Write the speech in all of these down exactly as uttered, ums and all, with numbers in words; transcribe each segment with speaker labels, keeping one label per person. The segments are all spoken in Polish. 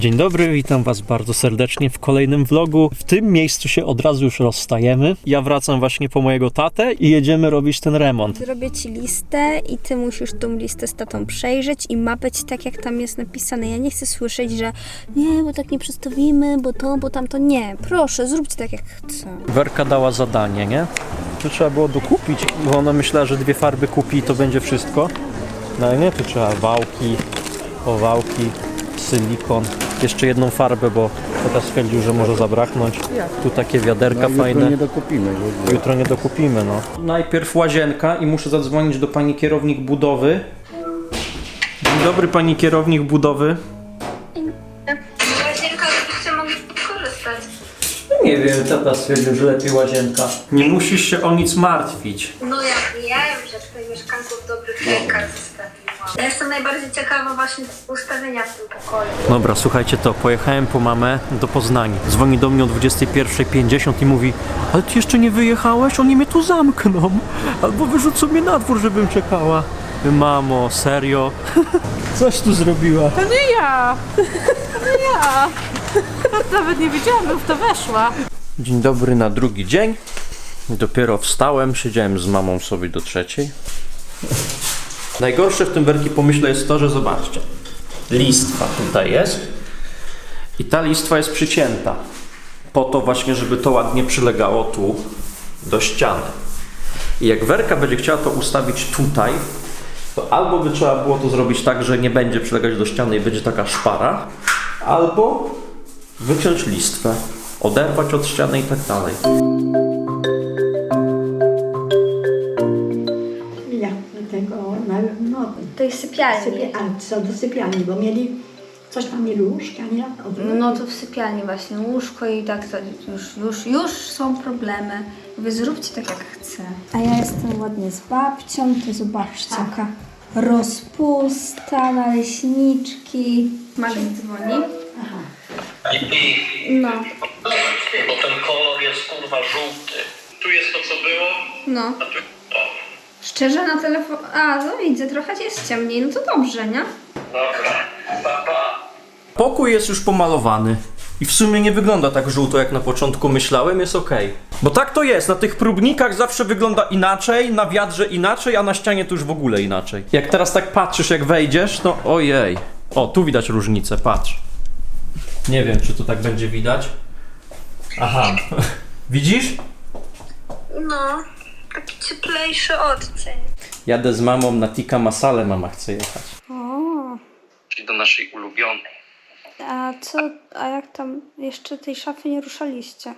Speaker 1: Dzień dobry, witam was bardzo serdecznie w kolejnym vlogu. W tym miejscu się od razu już rozstajemy. Ja wracam właśnie po mojego tatę i jedziemy robić ten remont.
Speaker 2: Zrobię ci listę i ty musisz tą listę z tatą przejrzeć i ma być tak, jak tam jest napisane. Ja nie chcę słyszeć, że nie, bo tak nie przedstawimy, bo to, bo tamto. Nie, proszę, zróbcie tak, jak chcę.
Speaker 1: Werka dała zadanie, nie? Tu trzeba było dokupić, bo ona myślała, że dwie farby kupi i to będzie wszystko. No ale nie, tu trzeba wałki, owałki, silikon. Jeszcze jedną farbę, bo tata stwierdził, że może zabraknąć. Tu takie wiaderka
Speaker 3: no,
Speaker 1: fajne.
Speaker 3: Jutro nie dokupimy.
Speaker 1: Jutro nie dokupimy, no. Najpierw łazienka i muszę zadzwonić do pani kierownik budowy. Dzień dobry, pani kierownik budowy.
Speaker 2: Łazienka, żebyście mogli korzystać.
Speaker 1: Nie wiem, tata stwierdził, że lepiej łazienka. Nie musisz się o nic martwić.
Speaker 2: No ja wiem, że tutaj mieszkanków w dobrych rękach zostawiłam. Ja jestem najbardziej ciekawa właśnie ustawienia w tym pokoju.
Speaker 1: Dobra, słuchajcie to, pojechałem po mamę do Poznania. Dzwoni do mnie o dwudziestej pierwszej pięćdziesiąt i mówi: ale ty jeszcze nie wyjechałeś? Oni mnie tu zamkną. Albo wyrzucą mnie na dwór, żebym czekała. Mamo, serio? Coś tu zrobiła.
Speaker 4: To nie ja! To nie ja! Nawet nie wiedziałam, bym w to weszła.
Speaker 1: Dzień dobry na drugi dzień. Dopiero wstałem, siedziałem z mamą sobie do trzeciej. Najgorsze w tym Werki pomyśle jest to, że zobaczcie. Listwa tutaj jest. I ta listwa jest przycięta. Po to właśnie, żeby to ładnie przylegało tu do ściany. I jak Werka będzie chciała to ustawić tutaj, to albo by trzeba było to zrobić tak, że nie będzie przylegać do ściany i będzie taka szpara, albo wyciąć listwę, oderwać od ściany i tak dalej.
Speaker 5: Ja do tego, no, no
Speaker 2: To jest sypialni.
Speaker 5: sypia, a co do sypialni, bo mieli, coś tam mieli łóżka, nie? Od,
Speaker 2: No to w sypialni właśnie łóżko i tak to już, już, już są problemy. Wy zróbcie tak, jak chcę. A ja jestem ładnie z babcią, to zobaczcie, jaka rozpusta, naleśniczki. Magda dzwoni.
Speaker 6: I
Speaker 2: No,
Speaker 6: bo ten kolor jest kurwa żółty. Tu jest to co było,
Speaker 2: no.
Speaker 6: a tu to.
Speaker 2: Szczerze na telefon... A, no widzę, trochę jest ciemniej, no to dobrze, nie?
Speaker 6: Dobra, pa, pa.
Speaker 1: Pokój jest już pomalowany i w sumie nie wygląda tak żółto, jak na początku myślałem, jest ok. Bo tak to jest, na tych próbnikach zawsze wygląda inaczej, na wiadrze inaczej, a na ścianie to już w ogóle inaczej. Jak teraz tak patrzysz, jak wejdziesz, no ojej. O, tu widać różnicę, patrz. Nie wiem, czy to tak będzie widać. Aha, widzisz?
Speaker 2: No, taki cieplejszy odcień.
Speaker 1: Jadę z mamą na tikka masale, mama chce jechać.
Speaker 2: O,
Speaker 6: Czyli do naszej ulubionej.
Speaker 2: a co, a jak tam jeszcze tej szafy nie ruszaliście?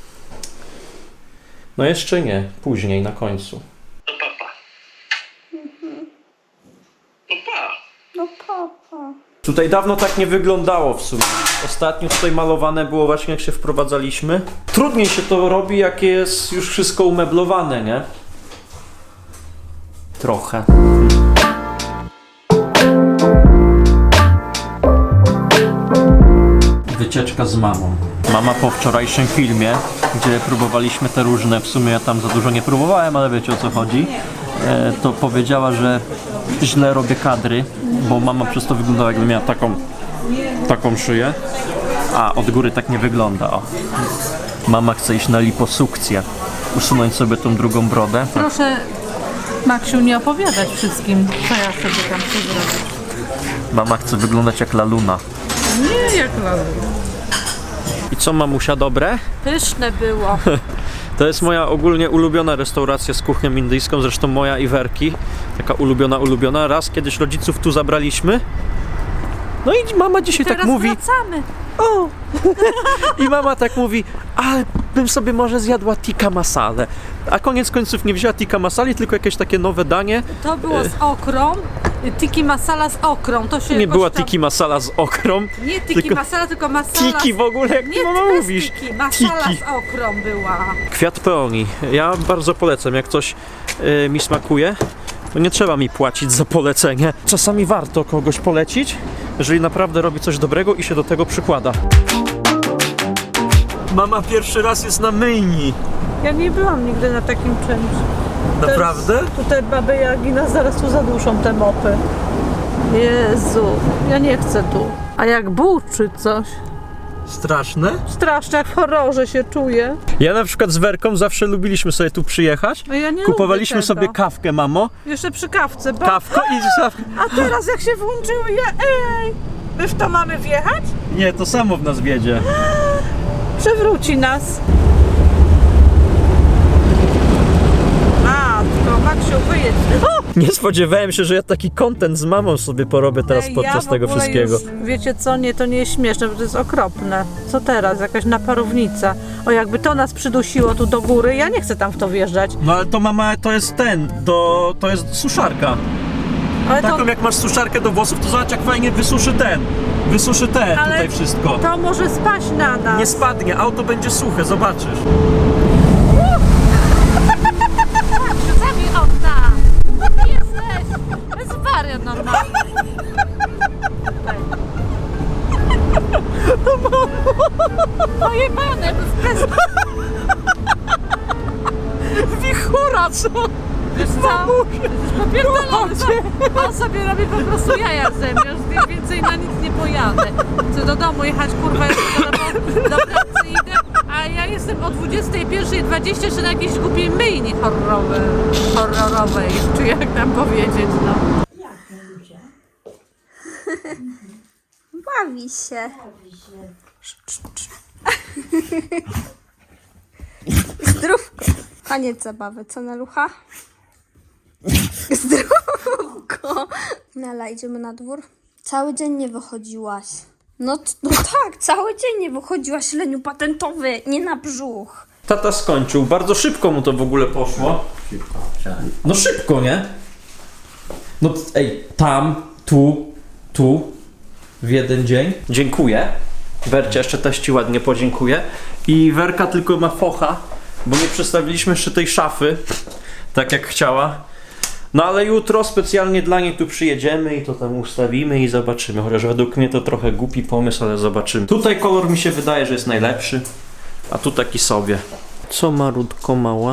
Speaker 1: No jeszcze nie, później, na końcu.
Speaker 6: No papa. No pa.
Speaker 2: No papa.
Speaker 1: Tutaj dawno tak nie wyglądało w sumie. Ostatnio tutaj malowane było właśnie jak się wprowadzaliśmy. Trudniej się to robi, jak jest już wszystko umeblowane, nie? Trochę. Wycieczka z mamą. Mama po wczorajszym filmie, gdzie próbowaliśmy te różne, w sumie ja tam za dużo nie próbowałem, ale wiecie o co chodzi, e, to powiedziała, że źle robię kadry, bo mama przez to wyglądała, jakby miała taką, taką szyję, a od góry tak nie wygląda. O. Mama chce iść na liposukcję, usunąć sobie tą drugą brodę.
Speaker 4: Proszę, Maksiu, nie opowiadać wszystkim, co ja sobie tam chcę zrobić.
Speaker 1: Mama chce wyglądać jak laluna.
Speaker 4: Nie, jak laluna.
Speaker 1: I co, mamusia, dobre?
Speaker 4: Pyszne było.
Speaker 1: To jest moja ogólnie ulubiona restauracja z kuchnią indyjską, zresztą moja i Werki. Taka ulubiona, ulubiona. Raz kiedyś rodziców tu zabraliśmy. No i mama dzisiaj
Speaker 4: Teraz
Speaker 1: tak mówi.
Speaker 4: wracamy.
Speaker 1: O! I mama tak mówi, ale bym sobie może zjadła tikka masale. A koniec końców nie wzięła tikka masali, tylko jakieś takie nowe danie.
Speaker 4: To było z okrą. Tiki masala z okrą. To się
Speaker 1: Nie
Speaker 4: jakoś
Speaker 1: była
Speaker 4: tam...
Speaker 1: tikki masala z okrą.
Speaker 4: Nie tiki
Speaker 1: tylko
Speaker 4: masala, tylko masala.
Speaker 1: Tiki w ogóle, jak ty
Speaker 4: Nie,
Speaker 1: mama
Speaker 4: bez
Speaker 1: mówisz.
Speaker 4: tiki. Masala
Speaker 1: Tiki.
Speaker 4: z okrą była.
Speaker 1: Kwiat peonii. Ja bardzo polecam, jak coś yy, mi smakuje, to nie trzeba mi płacić za polecenie. Czasami warto kogoś polecić, jeżeli naprawdę robi coś dobrego i się do tego przykłada. Mama pierwszy raz jest na myjni.
Speaker 4: Ja nie byłam nigdy na takim czymś.
Speaker 1: Naprawdę?
Speaker 4: Tutaj baby Jagi nas zaraz tu zaduszą te mopy. Jezu, ja nie chcę tu. A jak buczy coś.
Speaker 1: Straszne?
Speaker 4: Strasznie, jak w horrorze się czuję.
Speaker 1: Ja na przykład z Werką zawsze lubiliśmy sobie tu przyjechać.
Speaker 4: No ja nie
Speaker 1: Kupowaliśmy
Speaker 4: lubię tego.
Speaker 1: sobie kawkę, mamo.
Speaker 4: Jeszcze przy kawce, bo...
Speaker 1: Kawko i zawsze...
Speaker 4: A teraz jak się włączyło, ja... Ej! My w to mamy wjechać?
Speaker 1: Nie, to samo w nas wiedzie.
Speaker 4: Przewróci nas. A, tylko Maksiu, wyjedź. O!
Speaker 1: Nie spodziewałem się, że ja taki content z mamą sobie porobię teraz
Speaker 4: Ej,
Speaker 1: podczas
Speaker 4: ja w
Speaker 1: tego
Speaker 4: ogóle
Speaker 1: wszystkiego.
Speaker 4: Już, wiecie co, nie, to nie jest śmieszne, bo to jest okropne. Co teraz? Jakaś naparownica. O, jakby to nas przydusiło tu do góry, ja nie chcę tam w to wjeżdżać.
Speaker 1: No ale to mama, to jest ten, do, to jest suszarka.
Speaker 4: Ale
Speaker 1: Taką
Speaker 4: to,
Speaker 1: jak masz suszarkę do włosów, to zobacz jak fajnie wysuszy ten. Wysuszy ten,
Speaker 4: Ale
Speaker 1: tutaj wszystko.
Speaker 4: to może spaść na nas.
Speaker 1: Nie spadnie, auto będzie suche, zobaczysz.
Speaker 4: Zabij okna! Ty jesteś! To jest wariat normalny. Pojebane, jakby w pres...
Speaker 1: Wichura, co?
Speaker 4: Wiesz co? Jesteś popierdolony. On sobie robi po prostu jaja ze mnie, już więcej na nic nie pojadę. Chcę do domu jechać, kurwa, jeszcze do, do pracy idę, a ja jestem o dwudziestej pierwszej dwadzieścia jeszcze na jakiejś głupiej myjni horrorowej, horrorowej, czy jak tam powiedzieć, no.
Speaker 2: Bawi się. Zdrówko. Koniec zabawy. Co, Nalucha? Zdrówko. Nela, idziemy na dwór? Cały dzień nie wychodziłaś. No, t- no tak, cały dzień nie wychodziłaś, leniu patentowy, nie na brzuch.
Speaker 1: Tata skończył, bardzo szybko mu to w ogóle poszło. No szybko, nie? No ej, tam, tu, tu, w jeden dzień. Dziękuję. Wercia jeszcze też ci ładnie podziękuję. I Werka tylko ma focha, bo nie przestawiliśmy jeszcze tej szafy, tak jak chciała. No ale jutro specjalnie dla niej tu przyjedziemy i to tam ustawimy i zobaczymy. Chociaż według mnie to trochę głupi pomysł, ale zobaczymy. Tutaj kolor mi się wydaje, że jest najlepszy, a tu taki sobie. Co Marutko mała?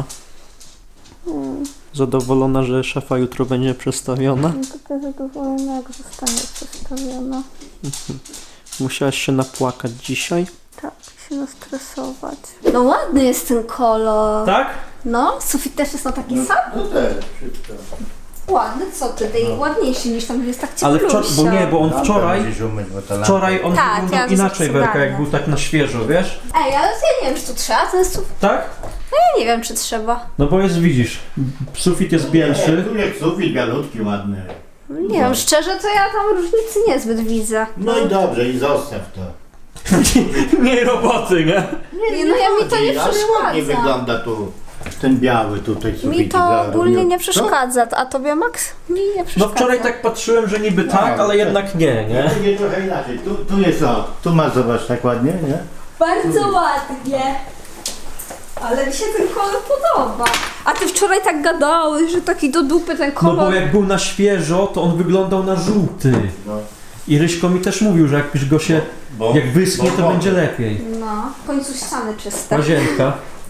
Speaker 1: Zadowolona, że szafa jutro będzie przestawiona?
Speaker 2: Taka zadowolona, jak zostanie przestawiona.
Speaker 1: Musiałaś się napłakać dzisiaj?
Speaker 2: Tak, się nastresować. No ładny jest ten kolor.
Speaker 1: Tak?
Speaker 2: No, sufit też jest na taki sam?
Speaker 3: No też, wszystko.
Speaker 2: Ładny, co ty, tej ładniejszy niż tam jest tak
Speaker 1: Ale
Speaker 2: cieplusia.
Speaker 1: wczoraj, bo nie, bo on wczoraj,
Speaker 3: Musisz umyć, bo to
Speaker 1: wczoraj on
Speaker 2: Tak,
Speaker 1: wyglądał
Speaker 2: ja
Speaker 1: inaczej,
Speaker 2: zaraz
Speaker 1: Werka, jak
Speaker 2: ogarnę.
Speaker 1: był tak na świeżo, wiesz?
Speaker 2: Ej, ale ja nie wiem, czy tu trzeba ten sufit.
Speaker 1: Tak?
Speaker 2: Ja nie wiem, czy trzeba.
Speaker 1: No bo jest, widzisz, sufit jest bielszy.
Speaker 3: Tu jest sufit bialutki, ładny.
Speaker 2: Nie wiem, szczerze, to ja tam różnicy niezbyt widzę.
Speaker 3: No i dobrze, i zostaw to.
Speaker 1: Mniej roboty, nie?
Speaker 2: Nie, no ja mi to nie
Speaker 3: Ale ładnie
Speaker 2: przeszkadza.
Speaker 3: wygląda tu ten biały tutaj sufit.
Speaker 2: Mi to ogólnie nie przeszkadza, a tobie, Max? Mi nie
Speaker 1: No
Speaker 2: przeszkadza.
Speaker 1: wczoraj tak patrzyłem, że niby tak, ale jednak nie, nie?
Speaker 3: Tu jest trochę inaczej. Tu, tu jest o, tu masz, zobacz, tak ładnie, nie?
Speaker 2: Bardzo ładnie. Ale mi się ten kolor podoba. A ty wczoraj tak gadałeś, że taki do dupy ten
Speaker 1: No
Speaker 2: kolor.
Speaker 1: bo jak był na świeżo, to on wyglądał na żółty.
Speaker 3: No.
Speaker 1: I Ryśko mi też mówił, że jakbyś go się,
Speaker 3: Bo-
Speaker 1: jak wyschnie,
Speaker 3: bo-
Speaker 1: to będzie lepiej.
Speaker 2: No, w końcu ściany czyste.
Speaker 1: Łazienka.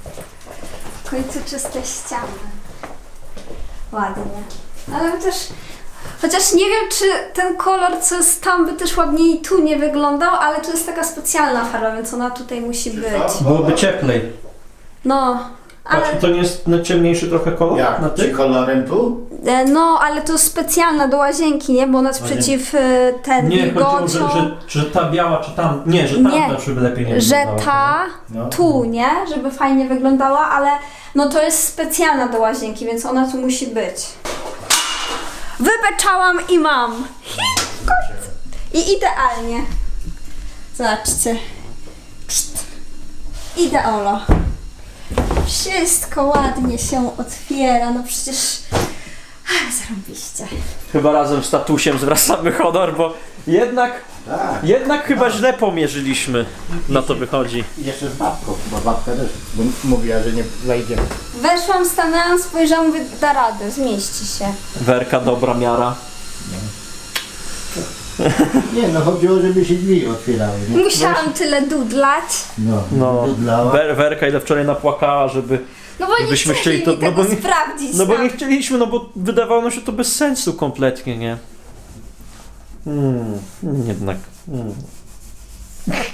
Speaker 2: W końcu czyste ściany. Ładnie. Ale też... Chociaż nie wiem, czy ten kolor, co jest tam, by też ładniej tu nie wyglądał, ale to jest taka specjalna farba, więc ona tutaj musi być.
Speaker 1: Byłoby cieplej.
Speaker 2: No, ale...
Speaker 1: Patrz, to nie jest na ciemniejszy trochę kolor?
Speaker 3: Jak?
Speaker 1: Na
Speaker 3: Czy
Speaker 1: tych?
Speaker 3: kolorem tu?
Speaker 2: E, No, ale to jest specjalna do łazienki, nie? Bo ona jest przeciw e, ten
Speaker 1: Nie, chodziło,
Speaker 2: wilgociom.
Speaker 1: że, że, że ta biała, czy tam... Nie, że tamta,
Speaker 2: Nie,
Speaker 1: żeby lepiej nie
Speaker 2: że
Speaker 1: wyglądała.
Speaker 2: ta
Speaker 3: No.
Speaker 2: tu, nie? Żeby fajnie wyglądała, ale no to jest specjalna do łazienki, więc ona tu musi być. Wybeczałam i mam. W końcu. I idealnie. Zobaczcie. Pszt. Ideolo. Wszystko ładnie się otwiera, no przecież... Ach, zarąbiście.
Speaker 1: Chyba razem z tatusiem zwracamy honor, bo jednak,
Speaker 3: Tak.
Speaker 1: jednak chyba źle pomierzyliśmy. Na to wychodzi.
Speaker 3: I jeszcze z babką, bo babka też mówiła, że nie wejdzie.
Speaker 2: Weszłam, stanęłam, spojrzałam, mówię, da radę, zmieści się.
Speaker 1: Werka, dobra miara.
Speaker 3: Nie, no chodziło, żeby się drzwi otwierały. Nie?
Speaker 2: Musiałam tyle dudlać.
Speaker 3: No,
Speaker 1: No,
Speaker 3: dudlała.
Speaker 1: Wer, Werka ile wczoraj napłakała, żeby...
Speaker 2: No bo nie
Speaker 1: Gdybyśmy
Speaker 2: chcieli
Speaker 1: chcieli,
Speaker 2: mi
Speaker 1: to- no
Speaker 2: tego
Speaker 1: bo nie-
Speaker 2: sprawdzić.
Speaker 1: No bo
Speaker 2: tam.
Speaker 1: nie chcieliśmy, no bo wydawało nam się to bez sensu kompletnie, nie? Hmm, jednak. Hmm.